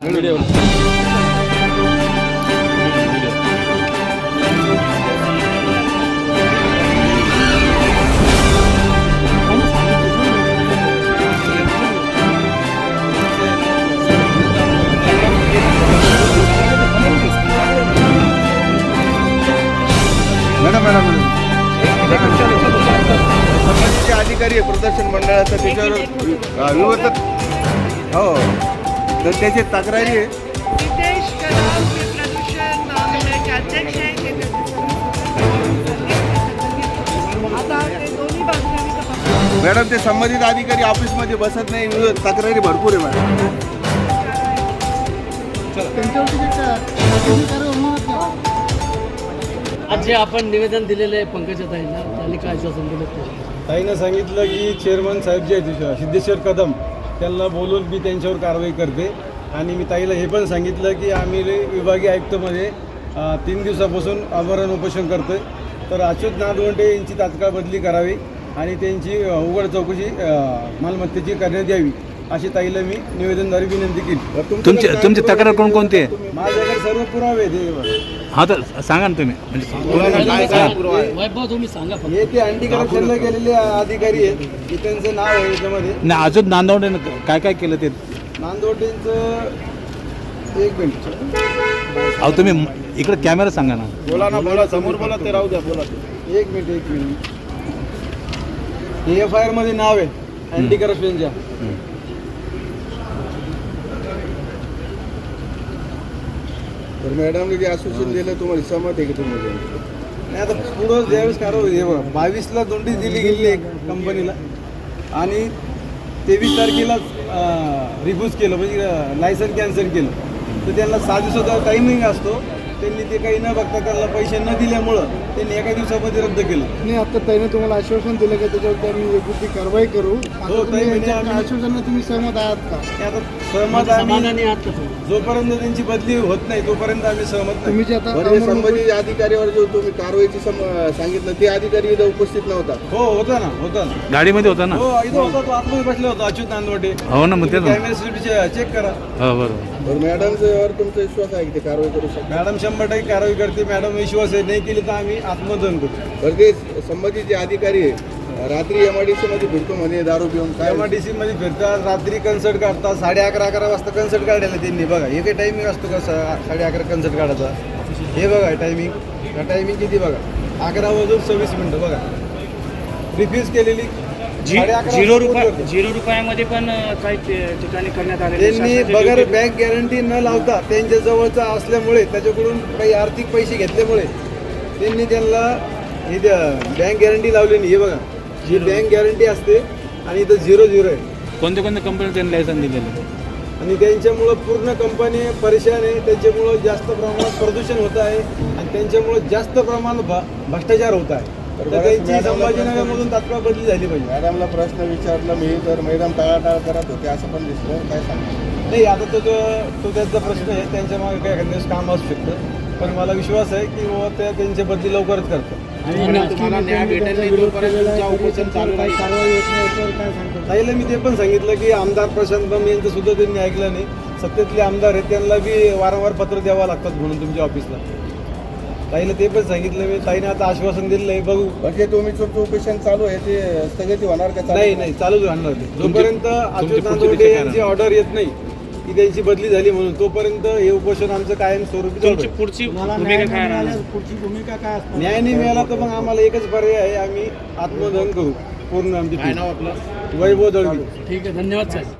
Video madam संबंधित अधिकारी आहे प्रदर्शन मंडळाचा त्याच्यावर विरोध हो तर त्याची तक्रारी आहे. नितेश कदम हे प्रदूषण महामंडळाचे अध्यक्ष आहेत. आता ते दोन्ही बाजूने आम्ही तपासतो. मॅडम ते संबंधित अधिकारी ऑफिसमध्ये बसत नाही विरोध तक्रारी भरपूर आहे मॅडम. आज जे आपण निवेदन दिलेलं आहे पंकजाताईंना त्यांनी काय आश्वासन दिलं ते? ताईनं सांगितलं की चेअरमन साहेब जे आहेत सिद्धेश्वर कदम त्यांना बोलून मी त्यांच्यावर कारवाई करते. आणि मी ताईला हे पण सांगितलं की आम्ही विभागीय आयुक्तमध्ये 3 दिवसापासून आमरण उपोषण करतो आहे. तर अच्युत नादवंडे यांची तात्काळ बदली करावी आणि त्यांची उघड चौकशी मालमत्तेची करण्यात यावी अशी ताईला मी निवेदनद्वारे विनंती केली. तुमची तक्रार कोणकोणती आहे? माझ्याकडे सर्व पुरावे आहेत. हा तर सांगा ना तुम्ही म्हणजे वैभव तुम्ही सांगा फक्त. हे ते अँटी करप्शनला गेलेले अधिकारी आहेत की त्यांचं नाव आहे याच्यामध्ये. नाही अजून नांदवडे काय काय केलं ते नांदवटेंचं एक मिनिट अहो तुम्ही इकडे कॅमेरा सांगा ना. बोला ना बोला समोर बोला ते राहू द्या बोला. एक मिनिट हे FIR मध्ये नाव आहे अँटी करप्शनच्या. तर मॅडमने जे आश्वासन दिलं तुम्हाला सहमत आहे की तुम्ही? नाही आता पुढं ज्यावेळेस कारवाई हे बघा 22ला नोटीस दिली गेली आहे कंपनीला आणि 23 तारखेला रिफ्यूज केलं म्हणजे लायसन कॅन्सल केलं. तर त्यांना 6 दिवसाचा टायमिंग असतो. त्यांनी ते काही न बघता त्यांना पैसे न दिल्यामुळं त्यांनी एका दिवसामध्ये रद्द केलं. नाही आता त्याने तुम्हाला आश्वासन दिलं की त्याच्यावरती आम्ही योग्य ती कारवाई करू. हो, ताई, म्हणजे आम्ही- आश्वासनाला तुम्ही सहमत आहात का? ते आता सहमत आम्ही समाधानी आहात का तुम्ही? जोपर्यंत त्यांची बदली होत नाही तोपर्यंत आम्ही सहमत नाही. तुम्ही जे आता बरं, जे संबंधित अधिकाऱ्यावर जो तुम्ही कारवाईची सांगितलं ते अधिकारी इथं उपस्थित नव्हता. हो होता ना. गाडीमध्ये होता ना? हो इथं होता तो आतमध्ये बसला होता अच्युत नांदवटे. हो ना मग तेच ना. कॅमेरा सीसीटीव्ही चेक करा. हो बरोबर. बरं मॅडमवर तुमचा विश्वास आहे की ते कारवाई करू शकतो? मॅडम 100% कारवाई करते. मॅडम विश्वास आहे नाही केली तर आम्ही आत्मदहन करू. बरं ते संबंधित जे अधिकारी आहे रात्री MIDC मध्ये फिरतो म्हणे दारू पिऊन काय MIDC मध्ये फिरतात रात्री कन्सर्ट काढतात. 11:30 वाजता कन्सर्ट काढायला त्यांनी बघा हे काही टायमिंग असतो का 11:30 कन्सर्ट काढायचा. हे बघा टायमिंग किती बघा 11:26 बघा रिफ्यूज केलेली 11:30 झिरो रुपयामध्ये पण काही ठिकाणी करण्यात आले. त्यांनी बगर बँक गॅरंटी न लावता त्यांच्या जवळचा असल्यामुळे त्याच्याकडून काही आर्थिक पैसे घेतल्यामुळे त्यांनी त्यांना ही बँक गॅरंटी लावली नाही. हे बघा ही बँक गॅरंटी असते आणि इथं 0 आहे. कोणत्या कंपनी त्यांनी लायसन दिलेलं? आणि त्यांच्यामुळं पूर्ण कंपनी परेशान आहे. त्यांच्यामुळं जास्त प्रमाणात प्रदूषण होत आहे आणि त्यांच्यामुळं जास्त प्रमाणात भ्रष्टाचार होत आहे. तर त्यांची संभाजीनगरमधून तात्काळ बदली झाली पाहिजे. मॅडमला प्रश्न विचारला मी तर मॅडम टाळाटाळ करत होते असं पण दिसलं. काय सांगा? नाही आता तो त्यांचा प्रश्न आहे. त्यांच्या मागे काय एखाद्या दिवस काम असू शकतं पण मला विश्वास आहे की बाबा त्या त्यांची बदली लवकरच करतात. तुम्हाला न्याय भेटेल नाही तोपर्यंत तुमचं उपोषण चालू राहील. कारवाई होत नाही याच्यावर काय सांगतो? ताईला मी ते पण सांगितलं की आमदार प्रशांत बंब यांचं सुद्धा त्यांनी ऐकलं नाही. सत्तेतले आमदार आहेत त्यांना बी वारंवार पत्र द्यावं लागतात म्हणून तुमच्या ऑफिसला. ताईला ते पण सांगितलं मी. ताईने आता आश्वासन दिलं आहे बघू. म्हणजे तुम्ही उपोषण चालू आहे ते स्थगिती होणार का? नाही चालूच राहणार ते जोपर्यंत अच्युत नांदवडे यांची ऑर्डर येत नाही की त्यांची बदली झाली म्हणून तोपर्यंत हे उपोषण आमचं कायम स्वरूपी चालू आहे. पुढची तुम्हाला भूमिका न्याय काय राहणार? मिळाल्यास पुढची भूमिका काय असणार? न्याय नाही मिळाला तर मग आम्हाला एकच पर्याय आहे आम्ही आत्मदहन करू पूर्ण आमची काय नाव आपलं? वैभव दळवी. ठीक आहे धन्यवाद साहेब.